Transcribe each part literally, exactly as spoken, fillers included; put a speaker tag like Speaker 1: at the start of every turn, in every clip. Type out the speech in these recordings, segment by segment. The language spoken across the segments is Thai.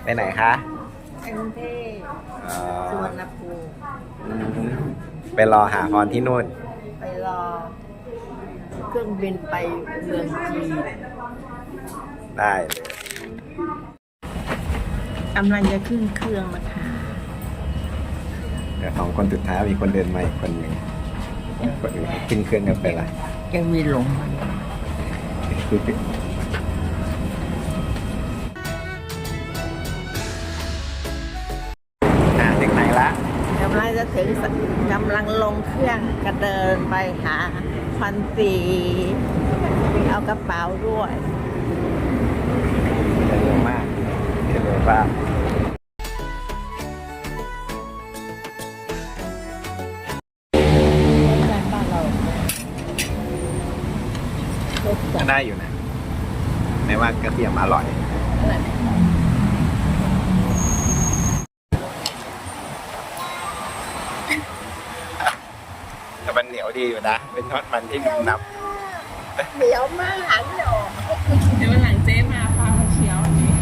Speaker 1: ไปไหนคะ
Speaker 2: ไปกรุงเทพสุวรรณภูมิ
Speaker 1: ไปรอหาพรที่นู่น
Speaker 2: ไปรอเครื่องบินไปเมืองจีน
Speaker 1: ได้เลย
Speaker 2: กำลังจะขึ้นเครื่องนะคะ
Speaker 1: เดี๋ยวสองคนสุดท้ายมีคนเดินมาอีกคนหนึ่งคนอื่นขึ้นเครื่องกันไปละ
Speaker 2: ยังมีหลง
Speaker 1: อ่าถึงไหนละ
Speaker 2: กำลังจะถึงกำลังลงเครื่องกระเดินไปหาพันตีเอากระเป๋าด้วย
Speaker 1: เร็วมากเร็วมากก็ได้อยู่นะไม่ว่ากระเทียมอร่อยแต่มันเหนียวดีอยู่นะเป็นทอดมันที่นุ่มนับ
Speaker 2: เหนียวมากหันออก
Speaker 3: เดี๋ยววันหลังเจ๊มาพามาเคี้ยวอันนี้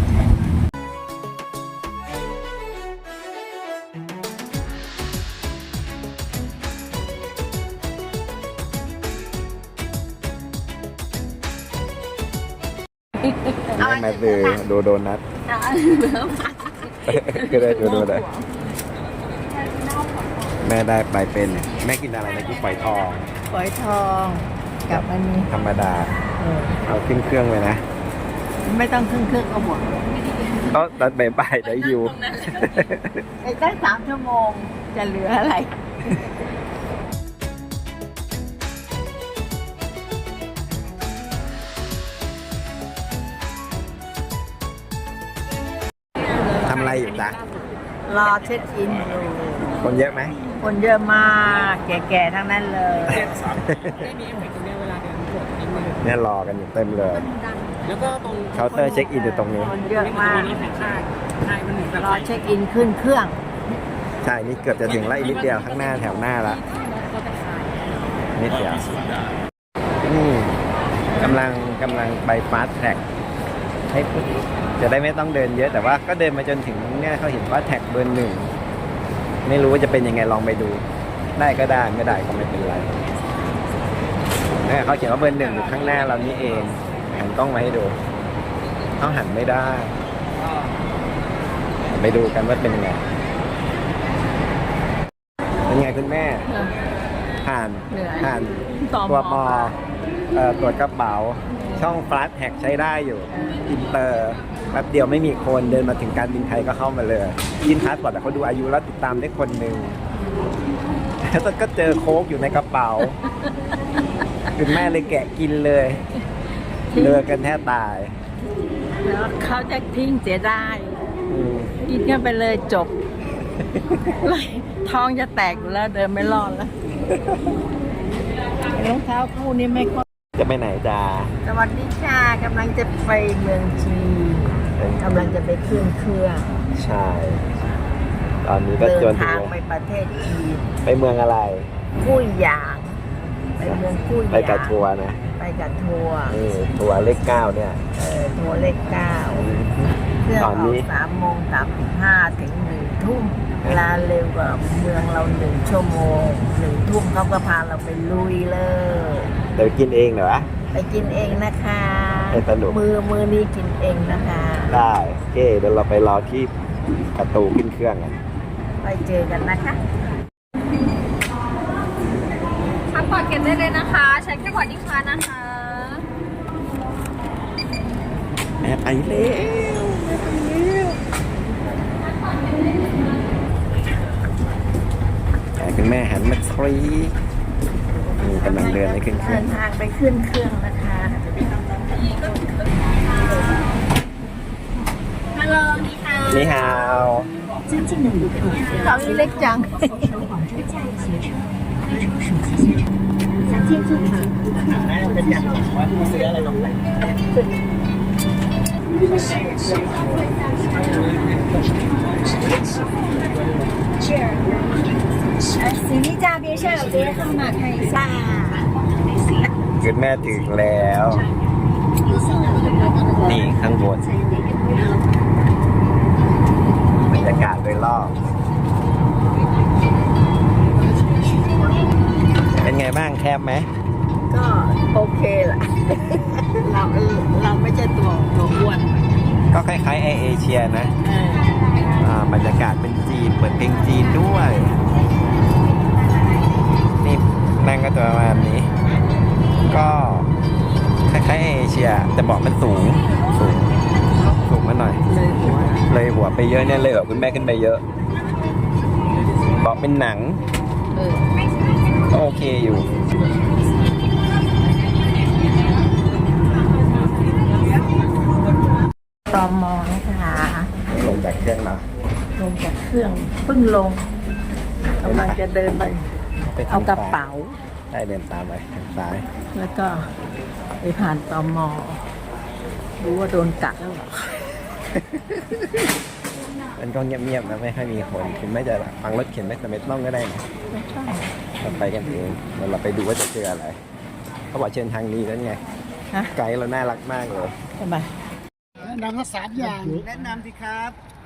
Speaker 1: ไม่มาดูดูโดนัทก็ได้ดูโดนัทแม่ได้ไปเป็นแม่กินอะไรนะกินฝอยทอง
Speaker 2: ฝอยทองกับอันนี้
Speaker 1: ธรรมดาเอาขึ้นเครื่องเลยนะ
Speaker 2: ไม่ต้องขึ้นเครื่องก็หมด
Speaker 1: ก็ตอนบ่ายๆได้อยู่
Speaker 2: อีกได้สามชั่วโมงจะเหลืออะไร
Speaker 1: ทำอะไรอยู่จ๊ะ
Speaker 2: รอเช็คอินอยู่
Speaker 1: คนเยอะไหม
Speaker 2: คนเยอะมากแก่ๆทั้งนั้นเลย
Speaker 3: ไม่มีเหมือนกันเวลาเดินตรวจนิดนึง
Speaker 1: เนี่ยรอกันอยู่เต็มเลย
Speaker 3: แล้วก็ตรง
Speaker 1: เคาน์เตอร์เช็คอินอยู่ตรงนี้
Speaker 2: คนเยอะมากรอเช็คอินขึ้นเครื่อง
Speaker 1: ใช่นี่เกือบจะถึงแล้วอีกนิดเดียวข้างหน้าแถวหน้าละนิดเดียวนี่กำลังกำลังไปฟาสต์แทร็กให้จะได้ไม่ต้องเดินเยอะแต่ว่าก็เดินมาจนถึงเนี่ยเขาเห็นว่าแท็กเบอร์หนึ่งไม่รู้ว่าจะเป็นยังไงลองไปดูได้ก็ได้ไม่ได้ก็ไม่เป็นไรเนี่ยเขาเขียนว่าเบอร์หนึ่งอยู่ข้างหน้าเรานี่เองหันกล้องมาให้ดูเขาหันไม่ได้ไปดูกันว่าเป็นยังไงเป็นไงคุณแม่ผ่านผ่านตัวปอตรวจกระเป๋าช่องฟลัชแท็กใช้ได้อยู่อินเตอร์แป๊บเดียวไม่มีคนเดินมาถึงการบินไทยก็เข้ามาเลยยินพาสปอร์ตแต่เขาดูอายุแล้วติดตามได้คนหนึ่งแล้วก็เจอโค้กอยู่ในกระเป๋าคุณแม่เลยแกะกินเลยเลือกันแทบตาย
Speaker 2: แล้วเขาจะทิ้งเสียได้กินกันไปเลยจบท้องจะแตกอยู่แล้วเดินไม่รอดแล้วรองเท้าคู่นี้ไม่ค่อย
Speaker 1: จะไปไหนจ้า
Speaker 2: สวัสดีจ้ากำลังจะไปเมืองจีนกำลังจะไปขึ้นเครื่อง
Speaker 1: ใช่ตอนนี้ก็
Speaker 2: เดินทางไปประเทศจีน
Speaker 1: ไปเมืองอะไร
Speaker 2: กุ้ยหยางไปเมืองกุ้ยหยาง
Speaker 1: ไปกับทัวร์นะ
Speaker 2: ไปกับทัวร์
Speaker 1: นี่ทัวร์เลขเก้าเนี่ย
Speaker 2: เออทัวร์เลขเก้าเครื่องออกสามโมงสามสิบห้าถึงหนึ่งทุ่มเวลาเร็วกว่าเมืองเราหนึ่งชั่วโมงหนึ่งทุ่มเขาก็พาเราไปลุยเลย
Speaker 1: เดี๋ยวกินเองเหรอ
Speaker 2: ไปกินเองนะคะ
Speaker 1: สนุก
Speaker 2: มือมือนี้กินเองนะคะ
Speaker 1: ได้โอเคเดี๋ยวเราไปรอที่ประตูขึ้นเครื่องกัน
Speaker 2: ไปเจอกันนะคะ
Speaker 3: พาสปอร์ตเก็บได้เลยนะคะใช้แค่พอร์ตยิ่งช้านะคะ
Speaker 1: แม่ไปเร็วแต่คุณแม่หันมาครีกำลังเดินไปขึ้นเครื่อง
Speaker 2: เดินทางไปขึ้นเครื่องนะคะ
Speaker 3: ฮัลโหลนี่ฮาว
Speaker 1: นี่ฮาว
Speaker 2: เขาเล็กจังเป็นอย่างว่าซื้ออะไรลงไป
Speaker 3: 行李架边上有别人号码看一下
Speaker 1: คุณแม่ถึงแล้วนี่ข้างบนรยากาศโดยรอบ เป็นไงบ้างแคบไหม
Speaker 2: ก็โอเคแหละ เราเราไม่ใช่ตัวตัวอ้วน
Speaker 1: ก็คล้ายๆไอเอเชียนะ
Speaker 2: เออ
Speaker 1: อ่าบรรยากาศเป็นจีนเปิดเพลงจีนด้วย นี่นั่งก็จะประมาณนี้ ก็คล้ายๆไอเอเชียแต่เบอกมันสูงสูงสูงมาหน่อย
Speaker 2: เลยหัว
Speaker 1: เลยหัวไปเยอะเนี่ยเลยหัวคุณแม่ขึ้นไปเยอะเบอกเป็นหนัง
Speaker 2: เออ
Speaker 1: ก็โอเคอยู่
Speaker 2: ตอมอนะคะ
Speaker 1: ลงจากเครื่องแล้ว
Speaker 2: ลงจากเครื่องเพิ่งลงกำลังจะเดินไป
Speaker 1: ไปทง
Speaker 2: เอากระเป๋า
Speaker 1: ได้เดินตามไปทางซ้าย
Speaker 2: แล้วก็ไปผ่านตอมอรู้ว่าโดนกัดแล้วเหรอ
Speaker 1: มันก็เงียบๆนะไม่ค่อยมีคนคุณไม่จะฟังรถเข็นไม่สมัยต้องก็ได้นะ
Speaker 2: ไม่ใช่
Speaker 1: เราไปกันเองเดี๋ยวเราไปดูว่าจะเจออะไรเขาบอกเชิญทางนี้นั่นไง
Speaker 2: ฮะ
Speaker 1: ไกด์เราน่ารักมากเลย
Speaker 2: ทำไม
Speaker 4: แนะนำทั้งสามอย่าง
Speaker 1: แนะนำสิครับ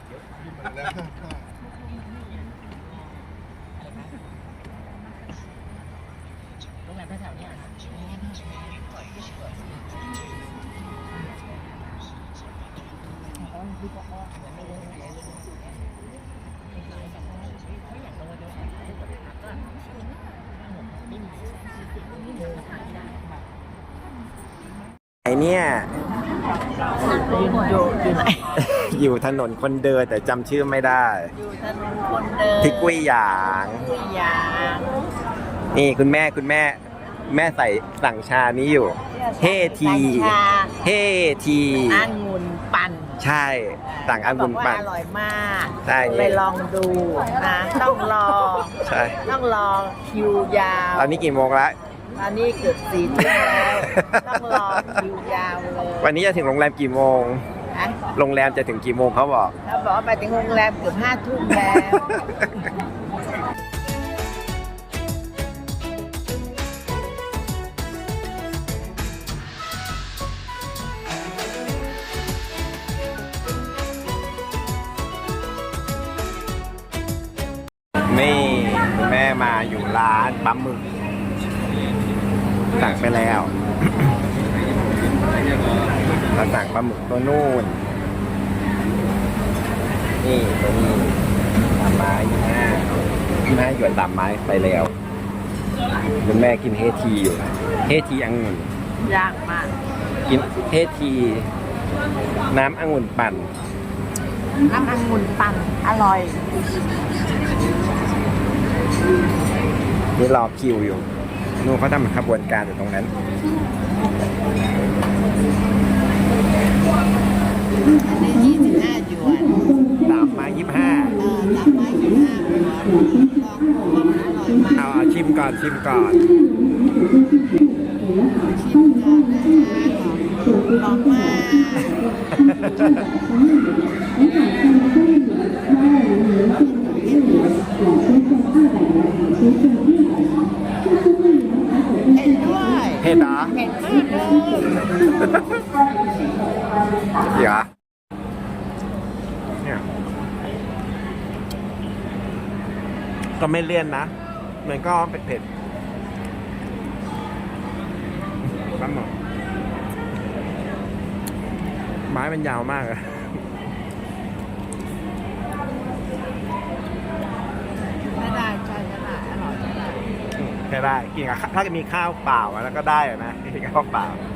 Speaker 1: ไอเนี่ย
Speaker 2: ยืนอยู่อยู่ไหน
Speaker 1: อยู่ถนนคนเดินแต่จำชื่อไม่ได้
Speaker 2: อยู่ถนนคนเดิน
Speaker 1: ที่กุ้ยหยาง
Speaker 2: กุ้ยยาง
Speaker 1: นี่คุณแม่คุณแม่ แม่ใส่สั่งชานี้อยู่ เฮที
Speaker 2: ชา
Speaker 1: เฮที
Speaker 2: องุ่นปั่น
Speaker 1: ใช่สั่งองุ่นปั่น
Speaker 2: บอกว่าอร่อยมาก
Speaker 1: ใช่
Speaker 2: ไปลองดูนะต้องรอ
Speaker 1: ใช่
Speaker 2: ต้องรอคิวยาว
Speaker 1: ตอนนี้กี่โมงแล้ว
Speaker 2: ตอนนี้เกือบสี่ทุ่มแล้วต้องรอคิวยาวเลย
Speaker 1: วันนี้จะถึงโรงแรมกี่โมง
Speaker 2: นะ
Speaker 1: โรงแรมจะถึงกี่โมงเขาบอก
Speaker 2: แล้วบอกว่าไปถึงโรงแรมเกือบห้าทุ่มแล้ว
Speaker 1: นี่คุณแม่มาอยู่ร้านปลาหมึกสั่งไปแล้ว เราสั่งปลาหมึกตัวนู่น นี่ตัวนี้สามไม้ยี่ห้ายี่ห้าหยวนสามไม้ไปแล้วคุณแม่กินเฮทีอยู่เฮทีองุ่น
Speaker 2: ยากมาก
Speaker 1: กินเฮทีน้ำองุ่นปั่น
Speaker 2: น้ำองุ่นปั่นอร่อย
Speaker 1: นี่รอคิวอยู่นู่นเขาทำขบวนการอยู่ตรงนั้น
Speaker 2: อันนี้ยี่สิบห้าหยวน
Speaker 1: สามไม้ยี่ห้า
Speaker 2: เออสามไม้ยี่ห้าหยวนลองดูว่ามันอร่อยมาก
Speaker 1: เอาเอาชิมก่อนชิมก่อน
Speaker 2: ชิมก่อนนะคะลองมากเห็นด้วย
Speaker 1: เผ็ดเหรอ
Speaker 2: เห็นมากเลย
Speaker 1: เดี๋ยวเนี่ยก็ไม่เลี่ยนนะ มันก็เผ็ดๆปลาหมึกไม้มันยาวมากอะ
Speaker 2: ไม่ได้ใช่ไม่ได้อร่อยไม่ได้
Speaker 1: แค่ได้กินกับข้าวถ้าจะมีข้าวเปล่าอะแล้วก็ได้อะนะกินกับข้าวเปล่า